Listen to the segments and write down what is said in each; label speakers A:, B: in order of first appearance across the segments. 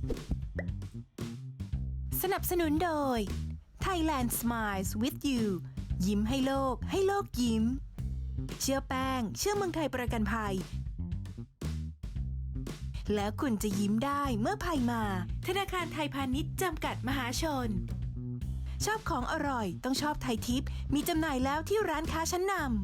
A: สนับสนุนโดย Thailand Smiles with you ยิ้มให้โลกให้โลกยิ้มเชื่อแป้งเชื่อเมืองไทยประกันภัยแล้วคุณจะยิ้มได้เมื่อภัยมาธนาคารไทยพาณิชย์จำกัดมหาชนชอบของอร่อยต้องชอบไทยทิปมีจำหน่ายแล้วที่ร้านค้าชั้นนำ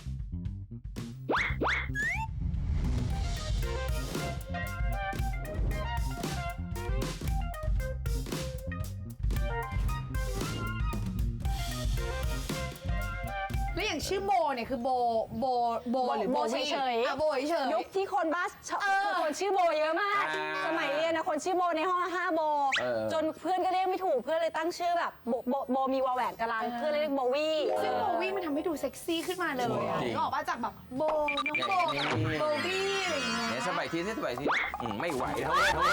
B: แล้วอย่างชื่อโบเนี่ยคือโบหรือโบ
C: เฉยๆ
B: โบเฉย
C: ยุคที่คนบ้าคือคนชื่อโบเยอะมากสมัยเรียนนะคนชื่อโบในห้อง5โบจนเพื่อนก็เรียกไม่ถูกเพื่อนเลยตั้งชื่อแบบโบมีวอแหวนกะลันเพื่อนเลยเรียกโบวี่
B: ซึ่งโบวี่มันทำให้ดูเซ็กซี่ขึ้นมาเลยอ่ะนึกออกป่ะจากแบบโบน้องโบกับโบวี่อะไรอย่างเงี้ย
D: เนี่ยสบายทีไม่ไหวเท่า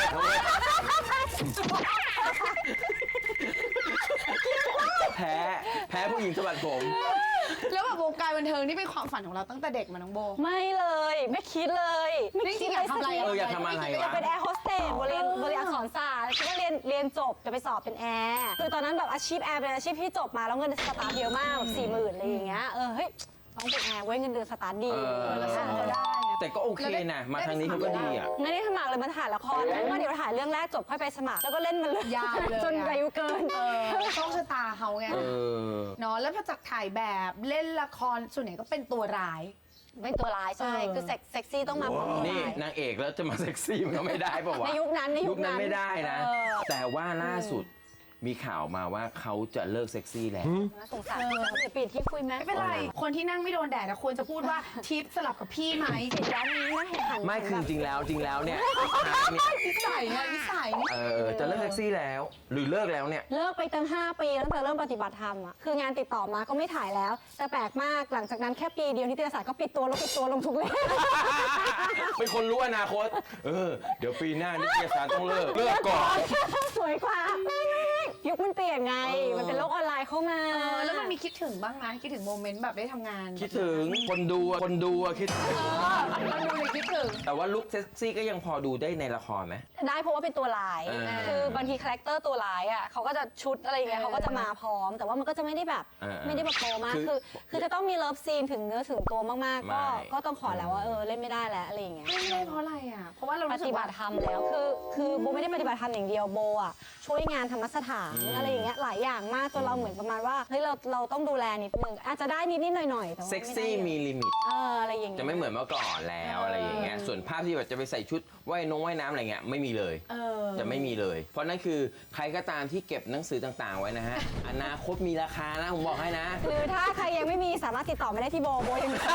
D: แพ้ผู้หญิงสะบัดผม
B: แล้วแบบวงการบันเทิงนี่เป็นความฝันของเราตั้งแต่เด็กมาน้องโบ
C: ไม่เลยไม่คิดเลยไม่คิด
B: อยากทำอะไร
D: อยากทำอะไร
C: อยาก
D: วะ
C: เป็นแอร์โฮสเตสโบเรียนอักษรศาสตร์คิดว่าเรียนจบจะไปสอบเป็นแอร์คือตอนนั้นแบบอาชีพแอร์เป็นอาชีพที่จบมาแล้วเงินสตาร์ทเยอะมากแบบ40,000อะไรอย่างเงี้ยเฮ้ยต้องเป็นแอร์เว้ยเงินเดือนสตาร์ทดีแล้วทำก็ได้
D: แต่ก็โอเคนะมาทางนี้เขาก็ดีอ่ะ
C: ไม่ได้สมัครเลยมาถ่ายละครเพราะว่าเดี๋ยวถ่ายเรื่องแรกจบค่อยไปสมัครแล้วก็เล่นมันเลย
B: ยาวเลย
C: จนอายุเกิน
B: โชคชะตาเขาไง
D: เออ
B: เนาะแล้วพอจากถ่ายแบบเล่นละครส่วนใหญ่ก็เป็นตัวร้าย
C: เป็นตัวร้ายใช่คือเซ็กซี่ต้องมาแบบ
D: นี่นางเอกแล้วจะมาเซ็กซี่มันก็ไม่ได้ป่าวะ
C: ในยุคนั้น
D: ไม่ได้นะ แต่ว่าล่าสุดมีข่าวมาว่าเขาจะเลิกเซ็กซี่แล้ว
C: น่าสงสารเดี๋ยวปิดที่คุยไหม
B: ไม่เป็นไร คนที่นั่งไม่โดนแดดควรจะพูดว่าทิปสลับกับพี่ไหม
C: ร้านนี้น่าเห็นหัน
D: ไม่คือจริงแล้วเนี่ย
B: นิสัยเนี่ยนิสัย
D: จะเลิกเซ็กซี่แล้ว หรือเลิกแล้วเนี่ย
C: เลิกไปตั้ง5 ปีตั้งแต่เริ่มปฏิบัติธรรมอ่ะคืองานติดต่อมาก็ไม่ถ่ายแล้ว แต่แปลกมากหลังจากนั้นแค่ปีเดียวนิตยสารก็ปิดตัวลงทุกเล่ม
D: เป็นคนรู้อนาคต เดี๋ยวปีหน้านิตยสารต้องเลิกก่อน
C: สวยกว่ายุคมันเปลี่ยนไงมันเป็นโลกออนไลน์เข้ามา
B: แล้วมันมีคิดถึงบ้างไหมคิดถึงโมเมนต์แบบได้ทำงาน
D: คิดถึงคนดูอะคิดถึง
B: มันดูเลยคิดถึง
D: แต่ว่าลุคเซ็กซี่ก็ยังพอดูได้ในละครไหม
C: ได้เพราะว่าเป็นตัวร้าย คือบางทีคาแรคเตอร์ตัวร้ายอ่ะเขาก็จะชุดอะไรอย่างเงี้ยเขาก็จะมาพร้อม แต่ว่ามันก็จะไม่ได้แบบไม่ได้แบบโตมากคือจะต้องมีเลิฟซีนถึงเนื้อถึงตัวมากๆก็ต้องขอแล้วว่าเล่นไม่ได้แล้วอะไรอย่างเงี้ย
B: ไม่ได้เพราะอะไรอ่ะเพราะว่าเรา
C: ป
B: รู้สึ
C: ฏิ
B: ก
C: บั
B: ว่า
C: ติธรรมแล้วคือโบไม่ได้ปฏิบัติธรรมอย่างเดียวโบอ่ะช่วยงานธรรมสถานอะไรอย่างเงี้ยหลายอย่างมากจนเราเหมือนประมาณว่าเฮ้ยเราต้องดูแลนิดนึงอาจจะได้นิดหน่อยแต่ว่า
D: เซ็กซี่มีลิมิต
C: อะไรอย่างเงี้ย
D: จะไม่เหมือนเมื่อก่อนแล้วอะไรอย่างเงี้ยส่วนภาพที่แบบจะไปใส่ชุดว่ายน้ำอะไรเงี้ยไม่มีเลยจะไม่มีเลย เพราะนั่นคือใครก็ตามที่เก็บหนังสือต่างๆไว้นะฮะ อนาคตมีราคานะผมบอกให้นะ
C: หรือถ้าใครยังไม่มีสามารถติดต่อมาได้ที่โบยังมี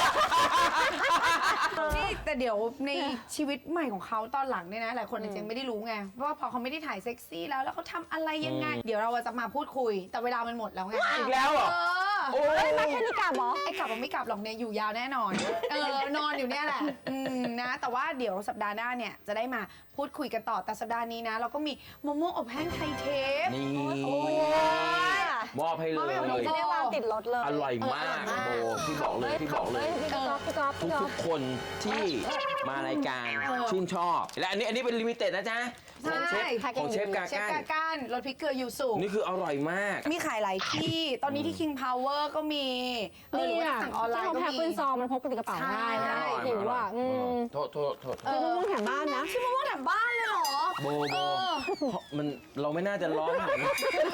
B: นี่แต่เดี๋ยวในชีวิตใหม่ของเขาตอนหลังเนี่ยนะหลายคนอาจจะไม่ได้รู้ไงเพราะว่าพอเขาไม่ได้ถ่ายเซ็กซี่แล้วเขาทำอะไรยังไง เดี๋ยวเราจะมาพูดคุย แต่เวลามันหมดแล้วไง
D: อีกแล้วเหรอ โอ้ย
C: มาแค่นี้กลับเหรอ
B: ไอ้กลับมันไม่กลับหรอกเนี่ยอยู่ยาวแน่นอนนอนอยู่เนี่ยแหละนะแต่ว่าเดี๋ยวสัปดาห์หน้าเนี่ยจะได้มาพูดคุยกันต่อแต่สัปดาห์นี้นะ เราก็มีมะม่วงอบแห้งไทยเทป
D: นี่
C: โอ้ย
D: มอบให้เลย
C: จะได้วางติดรถเลย
D: อร่อยมากโบพี่บอกเลย
C: พี่ก๊อฟ
D: ทุกคนที่มารายการชื่นชอบ และอันนี้เป็นลิมิเต็ดนะจ๊ะของเชฟกา
B: เชฟ
D: ก้าน
B: กาก้านรสพริกเกลือยูสุ
D: นี่คืออร่อยมาก
B: มีขายหลายที่ ตอนนี้ที่ King Power ก็มีหรือว่าสั่งออนไลน์ก็
C: แพ็ค
B: มี
C: เป็นซองมันพกติดกระเป๋าง่ายนะหิวอ่ะ
D: โทษ
C: คือมะม่วงแถมบ้านนะ
B: ชื่อมะม่วงแถมบ้านเลยเหรอ
D: โบมันเราไม่น่าจะร้องขนาดนี้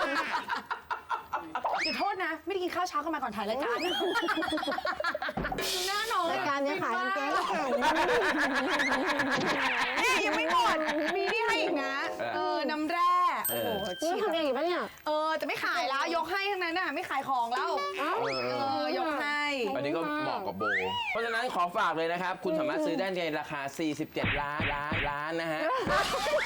B: ขอโทษนะ ไม่ได้กินข้าวเช้ากันมาก่อนถ่ายรายการหน้าน้อง
C: รายการนี้ขายกางเกงก็แข่ง
B: เนี่ยยังไม่หมด มีนี่ให้อีกนะ น้ำแร่โอ้โห
C: นี่ทำเองอีกปะเนี่ย
B: แต่ไม่ขายแล้วยกให้ทั้งนั้นน่ะไม่ขายของแล้วยกให้
D: อันนี้ก็เหมาะกับโบ เพราะฉะนั้นขอฝากเลยนะครับ คุณสามารถซื้อได้ในราคา 47 ล้านนะฮะ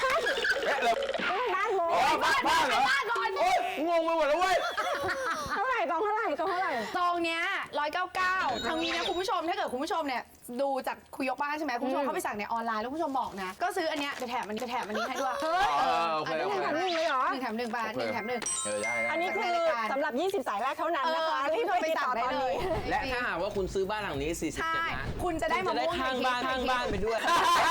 C: บ้านโบ
D: บ้านเหรอ
B: บ้านก่อน
D: โอ๊ยงงไปหมดแล้วเว้ย
C: เท่าไหร่จองเท่าไหร่
B: ซองเนี้ย199ทางนี้นะคุณผู้ชมถ้าเกิดคุณผู้ชมเนี่ยดูจากคุยยกบ้านใช่ไหมคุณผู้ชมเข้าไปสั่งในออนไลน์แล้วคุณผู้ชมบอกนะก็ซื้ออันเนี้ยไปแถมอันนี้ให้ด้วย
D: โอเค
C: 1 แถม 1เลยเหรอ
B: 1 แถม 1 บาท1 แถม 1
D: ได้
C: อันนี้คือสำหรับ 20 สายแรกเท่านั้นนะคะที่เคยติดต่อตอนนี้
D: และถ้าหากว่าคุณซื้อบ้านหลังนี้47
B: ใช่
D: ล้าน
B: คุณจะได้มะม่วง
D: ข้างบ้านไปด้วย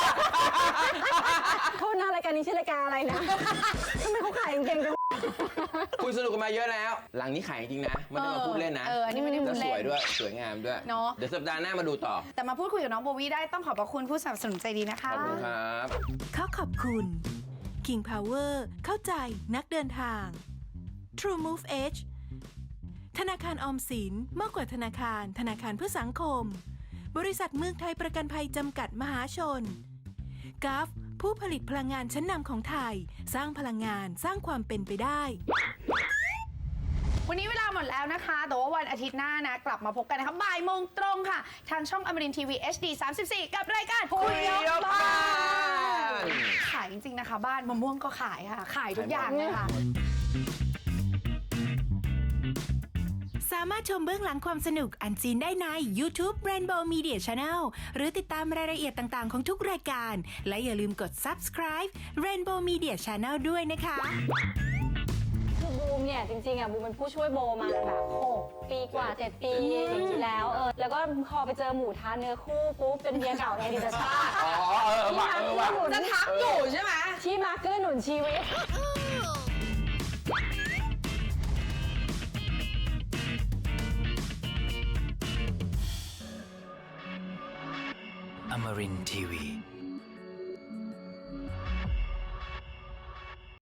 C: โทษนะรายการนี้ชื่อรายการอะไรนะ ทำไมเขาขายเก่งจัง
D: คุยสนุกกันมาเยอะแล้ว หลังนี้ขายจริงนะไม่ได้มาพูดเล่นนะ
B: อันนี้ไม่ได้พู
D: แล้ว
B: ด
D: ส
B: เล่น
D: วยด้วยสวยงามด้วย
B: เนอะ
D: เดี๋ยวสัปดาห์หน้ามาดูต่อ
B: แต่มาพูดคุยกับน้องโบวี่ได้ต้องขอบพระคุณผู้สนับสนุนใจดีนะคะ
D: ขอบคุณครับ
A: ขอบคุณ King Power เข้าใจนักเดินทาง True Move Edge ธนาคารออมสินมากกว่าธนาคารเพื่อสังคม บริษัทเมืองไทยประกันภัยจำกัดมหาชนกัฟผู้ผลิตพลังงานชั้นนำของไทย สร้างพลังงานสร้างความเป็นไปได้
B: วันนี้เวลาหมดแล้วนะคะแต่ว่าวันอาทิตย์หน้านะกลับมาพบกันนะคะบ่ายโมงตรงค่ะ ทางช่องอมรินทีวี HD 34 กับรายการคุยยกบ้านขายจริงๆนะคะ บ้านมะม่วงก็ขายค่ะ ขายทุกอย่างเลยค่ะ
A: สามารถชมเบื้องหลังความสนุกอันซีนได้ใน YouTube Rainbow Media Channel หรือติดตามรายละเอียดต่างๆของทุกรายการ และอย่าลืมกด subscribe Rainbow Media Channel ด้วยนะคะ
C: คือบูมเนี่ยจริงๆบูมเป็นผู้ช่วยโบมาแบบ6 ปีกว่า 7 ปีแล้วแล้วก็พอไปเจอหมูทานเนื้อคู่ปุ๊บเป็นเมียเก่าในอดีตชาติ
D: อ๋อว่ะ
B: จะทักอยู่ใช่ไหม
C: ที่มาเกื้อหนุนชีวิต
E: Amarin Tiwi.